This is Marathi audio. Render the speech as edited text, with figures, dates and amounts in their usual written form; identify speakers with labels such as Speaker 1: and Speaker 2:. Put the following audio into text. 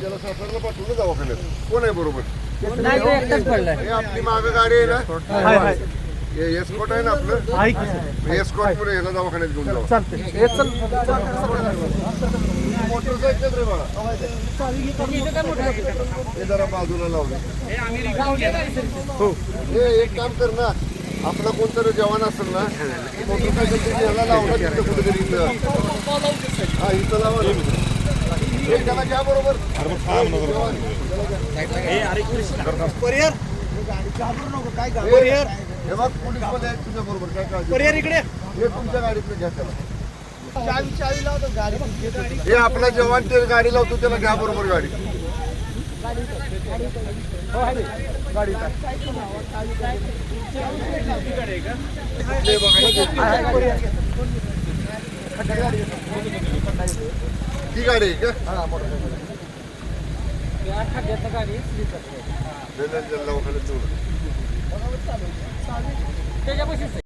Speaker 1: त्याला सासरला पाठवलं दवाखान्यात. कोण आहे बरोबर?
Speaker 2: नाही तो एकटाच पडलाय.
Speaker 1: हे आपली मागं गाडी आहे ना,
Speaker 2: हाय हाय
Speaker 1: हे एस्कॉट आहे ना आपलं,
Speaker 2: आहे की सर.
Speaker 1: एस्कॉट मध्ये याला दवाखान्यात घेऊन जाऊ.
Speaker 2: चालतंय. हे चल.
Speaker 1: मोटरसायकल रे बाळा, हे जरा बाजूला लावलं.
Speaker 2: हो.
Speaker 1: हे एक काम कर ना, आपला कोणतरी जवान असेल ना, मोटरसायकल याला लावलं तिथं कुठेतरी इथं. हा इथं लावा ना. हे त्याला घ्या बरोबर. हे बघ पोलीस मध्ये आहेत तुझ्या बरोबर, काय काळजी
Speaker 2: इकडे
Speaker 1: हे तुमच्या गाडीतलं घ्या त्याला. हे आपला जवान ते गाडी लावतो त्याला घ्या बरोबर गाडी. ती गाडी आहे का? दवाखान्यात